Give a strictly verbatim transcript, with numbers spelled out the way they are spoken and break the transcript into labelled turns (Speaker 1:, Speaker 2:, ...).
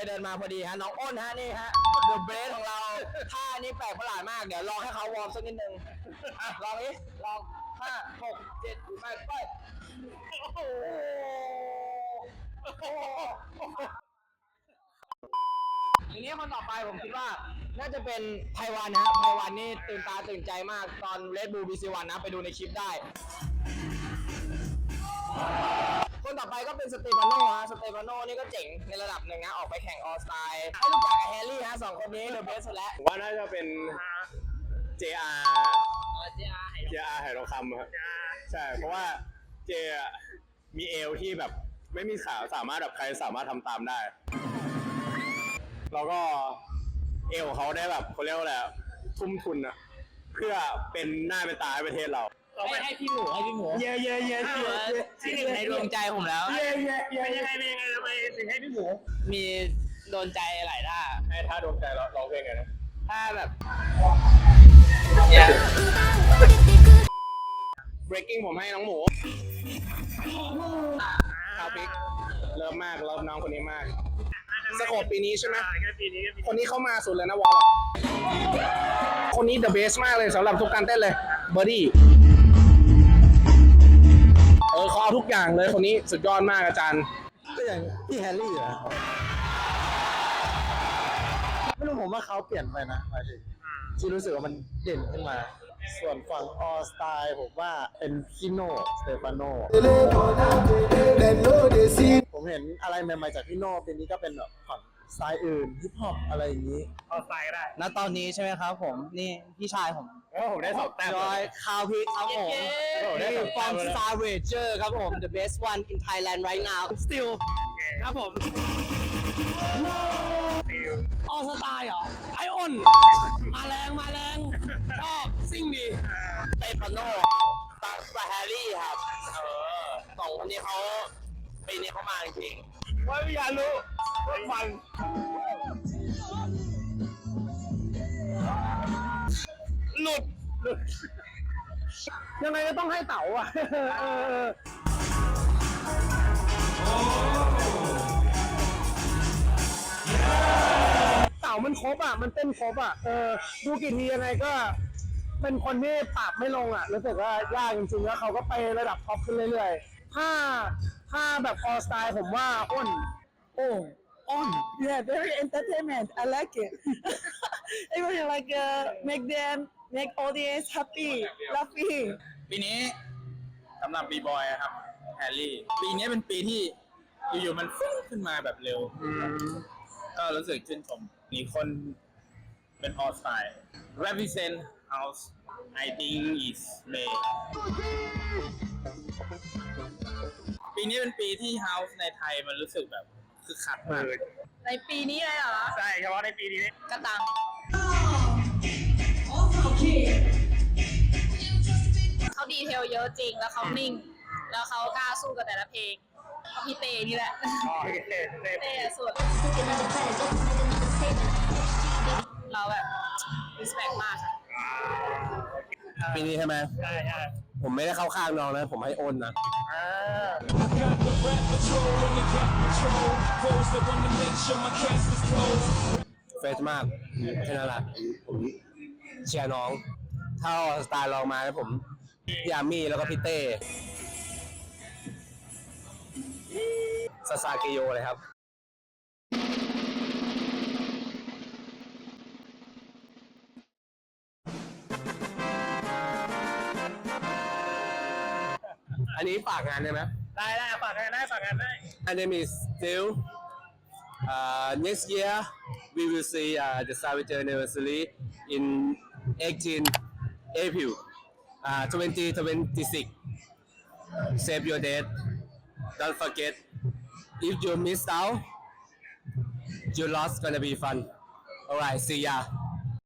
Speaker 1: เดินมาพอดีฮะน้องอ้นฮะนี่ฮะเดอะเบรสของเราท่านี้แปลกประหลาดมากเดี๋ยวลองให้เขาวอร์มสักนิดนึงอ่ะลองนี้ลองห้าหกเจ็ดแปดไปโอ้โหทีนี้คนต่อไปผมคิดว่าน่าจะเป็นไพวันนะฮะไพวันนี่ตื่นตาตื่นใจมากตอน Red Bull บี ซี วัน นะไปดูในคลิปได้คนต่อไปก็เป็นสเตฟานโนฮะสเตฟานโนนี่ก็เจ๋งในระดับหนึ่งนะออกไปแข่งออลสไตล์ให้รู้จักกับแฮร์รี่ฮะสองคนนี้เดอะเบสแล้ว
Speaker 2: ผมว่าน่าจะเป็น เจ อาร์ เจ อาร์ ไหทองคำครับใช่เพราะว่าเจมีเอวที่แบบไม่มีขาสามารถแบบใครสามารถทำตามได้แล้วก็เอวเขาได้แบบเขาเรียกว่าอะไรทุ่มทุนอะเพื่อเป็นหน้าเป็นตาให้ประเทศเรา
Speaker 1: ให้ให้พี่หมูให้พี่หมู
Speaker 2: เย่เย่เย่เย่
Speaker 1: ที่หนึ่งในดวงใจผมแล้ว
Speaker 2: เย่เย่เย่เป็นยังไงเป็นยังไงทำไมถึงให้พี่หมู
Speaker 1: มีโดนใจหลายท่า
Speaker 2: ให้ท่าโดนใจเราร้องเพลงไงนะ
Speaker 1: ท่าแบบ
Speaker 2: breaking ผมให้น้องหมูคาพิกเริ่มมากเริ่มน้องคนนี้มากสโคปปีนี้ใช่ไหมคนนี้เข้ามาสุดเลยนะวอลคนนี้ the best มากเลยสำหรับทุกการเต้นเลยเบอร์ดี้เออเขาเอาทุกอย่างเลยคนนี้สุดยอดมากอาจารย์
Speaker 3: ก็อย่างพี่แฮร์รี่อะไม่รู้ผมว่าเขาเปลี่ยนไปนะหมายถึงที่รู้สึกว่ามันเด่นขึ้นมาส่วนฝั่งออสไตล์ผมว่าเป็นพี่โน่สเตฟานโนผมเห็นอะไรใหม่ๆจากพี่โน่ปีนี้ก็เป็นแบบฝั่งสไตล์อื่นฮิปฮอปอะไรอย่างนี้
Speaker 2: ออสไตล์ก็ได้
Speaker 1: ณตอนนี้ใช่ไหมครับผมนี่พี่ชายผม
Speaker 2: โอ้ผมได้สองแต้ม
Speaker 1: จอยคาวพิกครับผมนี่ from Star Ranger ครับผม the best one in Thailand right now still ครับผมออสไตล์เหรอไอออนมาแรงมาแรงชอบซิ่งดีเตปาโน่ตาสแฮร์รี่ครับเออสองคนนี้เขาปีนี้เขามาจริง
Speaker 2: ๆว่าอยากรู้ว่ามันหลุดหลุดยังไงก็ต้องให้เต๋าอ่ะเต่ามันครบอ่ะมันเต้นครบอ่ะเออดูกี่ทียังไงก็เป็นคนที่ปรับไม่ลงอ่ะรู้สึกว่ายากจริงๆแล้วเขาก็ไประดับท็อปขึ้นเรื่อยๆถ้าถ้าแบบออสไตล์ผมว่าอ้นโอ้
Speaker 4: on yeah very entertainment I like it I really like uh, make them make audience happy laughing
Speaker 5: ปีนี้สำหรับบีบอยครับแฮร์รี่ปีนี้เป็นปีที่อยู่ๆมันฟุ้งขึ้นมาแบบเร็วก็รู้สึกชื่นชมมีคนเป็น all style represent house I think is May ปีนี้เป็นปีที่ house ในไทยมันรู้สึกแบบคือคักมาก
Speaker 4: ในปีนี้เลยเหรอ
Speaker 2: ใช่เฉพาะในปีนี้
Speaker 4: กระตังเขาดีเทลเยอะจริงแล้วเขานิ่งแล้วเขากล้าสู้กับแต่ละเพลงพี่เตนี่แหละเตสุดเราแบบ respect มากค่ะ
Speaker 1: ปีนี้ใช่ไหม
Speaker 2: ใช่ใช่
Speaker 1: ผมไม่ได้เข้าข้างน้องนะผมให้โอนนะเฟสมากแค่นั้นแหละผมเชียร์น้องถ้าสไตล์ลองมาแล้วผมพี่อามี่แล้วก็พี่เต้ซาซาเกโยเลยครับอันนี้ฝากงานได้ไหม
Speaker 2: ได้ได้ฝากงานได้ฝากงานได้
Speaker 1: My name is Still uh, next year we will see uh, the Savager anniversary in eighteenth April uh, twenty twenty-six save your date don't forget if you missed out your loss gonna be fun alright see ya